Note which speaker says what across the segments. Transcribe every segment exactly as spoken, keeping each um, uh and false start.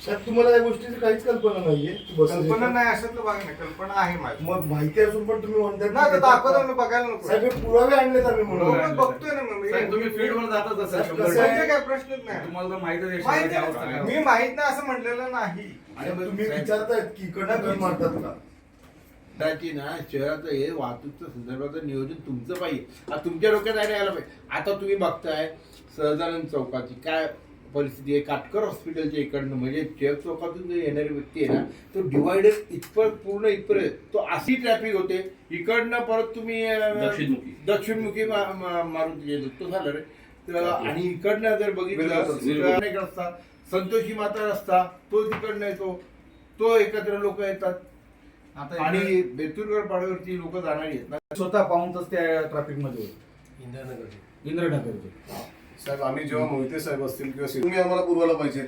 Speaker 1: साहेब तुम्हाला या गोष्टीची काहीच कल्पना नाहीये की बस
Speaker 2: कल्पना नाही असं तर बघा ना, कल्पना आहे माझी.
Speaker 1: मग माहिती असून पण तुम्ही म्हणताय
Speaker 2: ना तर दाखवतो ना, बघायला नको.
Speaker 1: साहेब हे पुरावे आणलेत आम्ही
Speaker 2: हो,
Speaker 1: म्हणून
Speaker 2: पण बघतोय ना मग.
Speaker 3: साहेब, तुम्ही फील्डवर जातच असाल
Speaker 1: साहेब,
Speaker 3: शंभर
Speaker 1: कसं आहे?
Speaker 2: म्हणजे काय प्रश्नच नाही.
Speaker 3: तुम्हाला तर माहितच आहे
Speaker 2: माहिती
Speaker 3: शहराची
Speaker 2: आहे.
Speaker 3: अवस्था.
Speaker 2: मी माहित नाही असं म्हटलेलं नाही.
Speaker 1: आणि तुम्ही विचारतायत की इकडनं टर्न मारतात का?
Speaker 4: त्याची ना शहराचं हे वाहतूकचं संदर्भाचं नियोजन तुमचं पाहिजे. आता तुमच्या डोक्यात आयडिया यायला पाहिजे. आता तुम्ही बघताय सहजानंद चौकाची काय परिस्थिती आहे. काटकर हॉस्पिटलच्या इकडनं म्हणजे टिळक चौकातून जो येणारी व्यक्ती आहे ना, तो डिवायडर इथपर पूर्ण इथपर्यंत तो अशी ट्रॅफिक होते. इकडनं परत तुम्ही अं,
Speaker 3: दक्षिणमुखी.
Speaker 4: दक्षिणमुखी मा- मा- मारून गेलो तो झालं रे. तर आणि इकडनं जर बघितलं तर अनेक रस्ता संतोषी माता रस्ता तो तिकडनं येतो, तो एकत्र लोक येतात.
Speaker 3: आता
Speaker 4: आणि बेतूरगड पाड्यावरती लोक जाणारी आहेत ना.
Speaker 5: स्वतः पाहून तर त्या ट्रॅफिक मध्ये होईल
Speaker 6: इंद्रनगरचे
Speaker 5: इंद्रनगरचे.
Speaker 6: साहेब आम्ही जेव्हा मोहिते साहेब असतील किंवा सिद्धू, तुम्ही आम्हाला पुरवायला पाहिजे.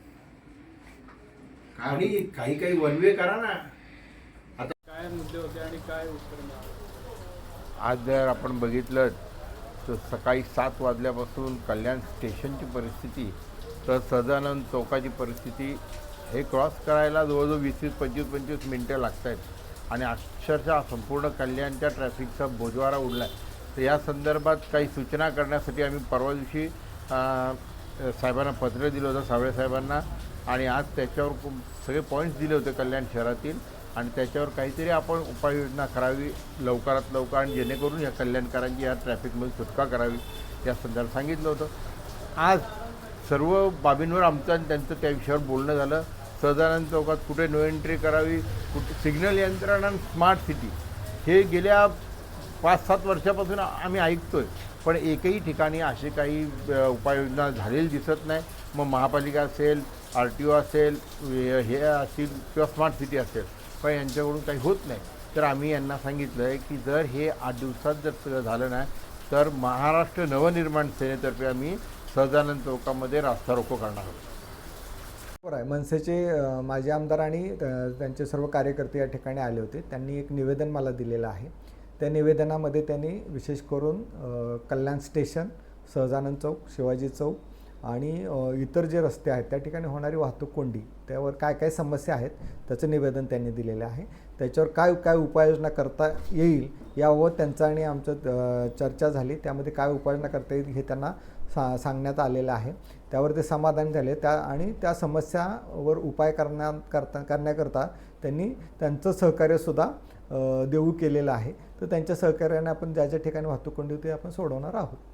Speaker 4: आणि काही काही वनवे करा ना.
Speaker 7: काय मुद्दे होते आणि काय उत्तर मिळालं?
Speaker 4: आज जर आपण बघितलं तर सकाळी सात वाजल्यापासून कल्याण स्टेशनची परिस्थिती तर सदानंद चौकाची परिस्थिती हे क्रॉस करायला जवळजवळ वीस वीस पंचवीस पंचवीस मिनटं लागत आहेत आणि अक्षरशः संपूर्ण कल्याणच्या ट्रॅफिकचा बोजवारा उडला आहे. तर या संदर्भात काही सूचना करण्यासाठी आम्ही परवा दिवशी साहेबांना पत्र दिलं होतं, सावळे साहेबांना, आणि आज त्याच्यावर खूप सगळे पॉईंट्स दिले होते कल्याण शहरातील आणि त्याच्यावर काहीतरी आपण उपाययोजना करावी लवकरात लवकर आणि जेणेकरून या कल्याणकारांची या ट्रॅफिकमध्ये सुटका करावी या संदर्भात सांगितलं होतं. आज सर्व बाबींवर आमचं आणि त्यांचं त्या विषयावर बोलणं झालं. सदानंद चौकात कुठे नो एंट्री करावी, कुठे सिग्नल यंत्रणा आणि स्मार्ट सिटी हे गेल्या पाच सात वर्षापासून आम्ही ऐकतो आहे, पण एकही ठिकाणी असे काही उपाययोजना झालेली दिसत नाही. मग महापालिका असेल, आर टी ओ असेल, हे असतील किंवा स्मार्ट सिटी असेल, पण यांच्याकडून काही होत नाही. तर आम्ही यांना सांगितलं आहे की जर हे आठ दिवसात जर सगळं झालं नाही तर महाराष्ट्र नवनिर्माण सेनेतर्फे आम्ही सदानंद चौकामध्ये रास्ता रोको करणार आहोत.
Speaker 8: बरोबर आहे. मनसेचे अ, माजी आमदार आणि अ, त्यांचे सर्व कार्यकर्ते या ठिकाणी आले होते. त्यांनी एक निवेदन मला दिलेलं आहे. त्या निवेदनामध्ये त्यांनी विशेष करून अ, कल्याण स्टेशन, सहजानंद चौक, शिवाजी चौक आणि अ, इतर जे रस्ते आहेत त्या ठिकाणी होणारी वाहतूक कोंडी, त्यावर काय काय समस्या आहेत त्याचं निवेदन त्यांनी दिलेलं आहे. त्याच्यावर काय काय उपाययोजना करता येईल याबाबत त्यांचं आणि आमचं अ, चर्चा झाली. त्यामध्ये काय उपाययोजना करता येईल हे त्यांना सा सांगण्यात आलेलं आहे. त्यावर ते समाधान झाले त्या आणि त्या समस्यावर उपाय करण्या करता करण्याकरता त्यांनी त्यांचं सहकार्यसुद्धा देऊ केलेलं आहे. तर त्यांच्या सहकार्याने आपण ज्या ज्या ठिकाणी वाहतूक कोंडी होती आपण सोडवणार आहोत.